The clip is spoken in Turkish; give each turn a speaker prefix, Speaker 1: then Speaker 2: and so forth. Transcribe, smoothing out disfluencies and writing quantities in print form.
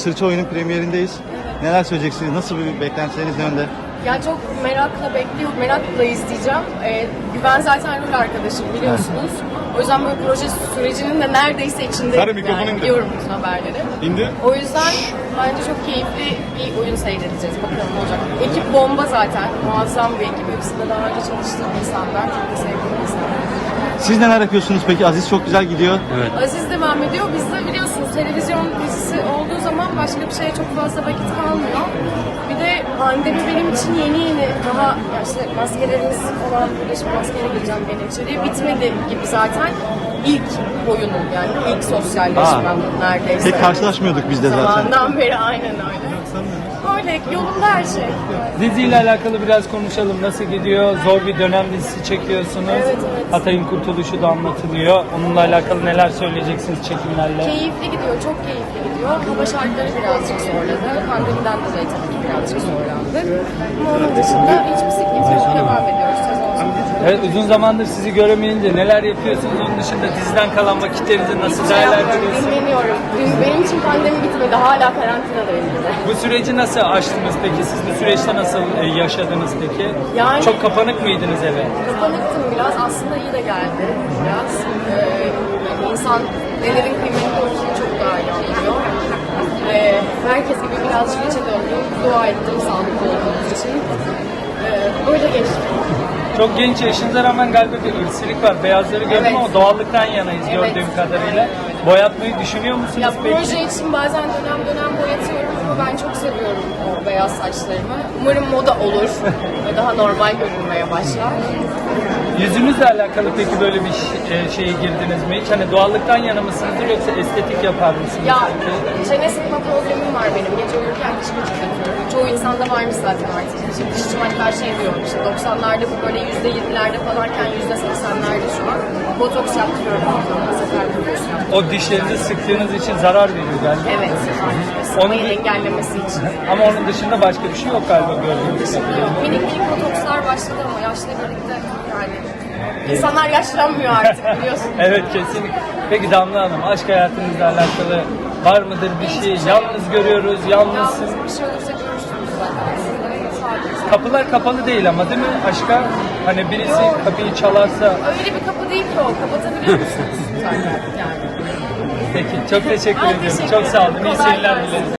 Speaker 1: Sırça Oyun'un premierindeyiz. Neler söyleyeceksiniz? Nasıl bir beklentileriniz ne yönde?
Speaker 2: Ya çok merakla izleyeceğim. Güven zaten rol arkadaşım biliyorsunuz. O yüzden böyle proje sürecinin de neredeyse içinde yani, biliyorum bütün haberleri. O yüzden bence çok keyifli bir oyun seyredeceğiz. Bakalım ne olacak. Ekip bomba zaten. Muazzam bir ekip. Hepsinde daha önce çalıştığım insanlar. Çok da sevdiğim insanlar.
Speaker 1: Siz neler yapıyorsunuz peki? Aziz çok güzel gidiyor.
Speaker 2: Evet. Aziz devam ediyor. Bizde biliyorsunuz televizyon dizisi olduğu zaman başka bir şeye çok fazla vakit kalmıyor. Bir de pandemi benim için yeni daha ya işte maskelerimiz falan böyle şimdi maskeyle gireceğim benim içeriye bitmedi gibi zaten ilk oyunum yani ilk sosyalleşmem neredeyse.
Speaker 1: Pek karşılaşmıyorduk biz de zaten.
Speaker 2: Zamandan beri aynen öyle. Öyle yolunda her şey.
Speaker 3: Diziyle alakalı biraz konuşalım. Nasıl gidiyor? Zor bir dönem dizisi çekiyorsunuz.
Speaker 2: Evet.
Speaker 3: Hatay'ın kurtuluşu da anlatılıyor. Onunla alakalı neler söyleyeceksiniz çekimlerle?
Speaker 2: Keyifli gidiyor, çok keyifli gidiyor. Hava şartları birazcık zorladı. Pandemiden dolayı tabii ki birazcık zorlandık. Ama onun dışında hiçbir sıkıntı yok. Devam ediyoruz sezon sonunda.
Speaker 3: Evet, uzun zamandır sizi göremeyince neler yapıyorsunuz? Onun dışında diziden kalan vakitlerinizi nasıl değerlendiriyorsunuz?
Speaker 2: Dinleniyorum. Benim için pandemi bitmedi. Hala karantinadayım.
Speaker 3: Bu süreci nasıl aştınız peki? Siz bu süreçte nasıl yaşadınız peki?
Speaker 2: Yani-
Speaker 3: Çok kapanık mıydınız eve?
Speaker 2: Kapanıktım biraz. Aslında iyi de geldi biraz. Yani insan nelerin kıymetli olduğunu çok daha iyi anlıyor. Herkes gibi birazcık içe döndüm. Dua ettim sağlıklı olduğumuz için. Böyle geçti.
Speaker 3: Çok genç yaşınıza rağmen galiba bir ırkçılık var. Beyazları gördüm
Speaker 2: Evet.
Speaker 3: ama doğallıktan yanayız gördüğüm kadarıyla. Boyatmayı düşünüyor musunuz
Speaker 2: Ya
Speaker 3: peki?
Speaker 2: proje için bazen dönem boyatıyorum ama ben çok seviyorum o beyaz saçlarımı. Umarım moda olur ve daha normal görünmeye başlar.
Speaker 3: Yüzünüzle alakalı peki böyle bir şeye girdiniz mi hiç? Hani doğallıktan yana mısınızdır yoksa estetik yapar mısınız?
Speaker 2: Ya
Speaker 3: peki?
Speaker 2: çene sıkma problemim var benim. Gece uyurken diş gıcık yapıyorum. Çoğu insanda varmış zaten artık. İşte dişçim hatta şey diyor, işte 90'larda bu böyle %20'lerde falanken %80'lerde şu an. Botoks yaptırıyorum. Sefer botoks yaptırıyorum.
Speaker 3: O dişlerinizi sıktığınız için zarar veriyor galiba.
Speaker 2: Evet. Sıkmayı engellemesi için.
Speaker 3: Ama onun dışında başka bir şey yok galiba gördüğünüz kadarıyla.
Speaker 2: Minik botokslar başladı ama yaşla birlikte yani insanlar yaşlanmıyor artık biliyorsun.
Speaker 3: Evet, kesinlikle. Peki Damla Hanım, aşk hayatınızla alakalı var mıdır bir şey? Yalnız görüyoruz, yalnızsınız.
Speaker 2: Yalnız bir şey olursa görüşürüz zaten. Sadece.
Speaker 3: Kapılar kapalı değil ama değil mi aşka? Hani birisi kapıyı çalarsa.
Speaker 2: Öyle bir kapı değil ki o. Kapatabiliyor musunuz zaten yani?
Speaker 3: Peki, çok teşekkür
Speaker 2: Ben
Speaker 3: ediyorum.
Speaker 2: teşekkür
Speaker 3: Çok sağ olun.
Speaker 2: ederim.
Speaker 3: İyi
Speaker 2: Kolay
Speaker 3: seyirler
Speaker 2: gelsin.
Speaker 3: dileriz.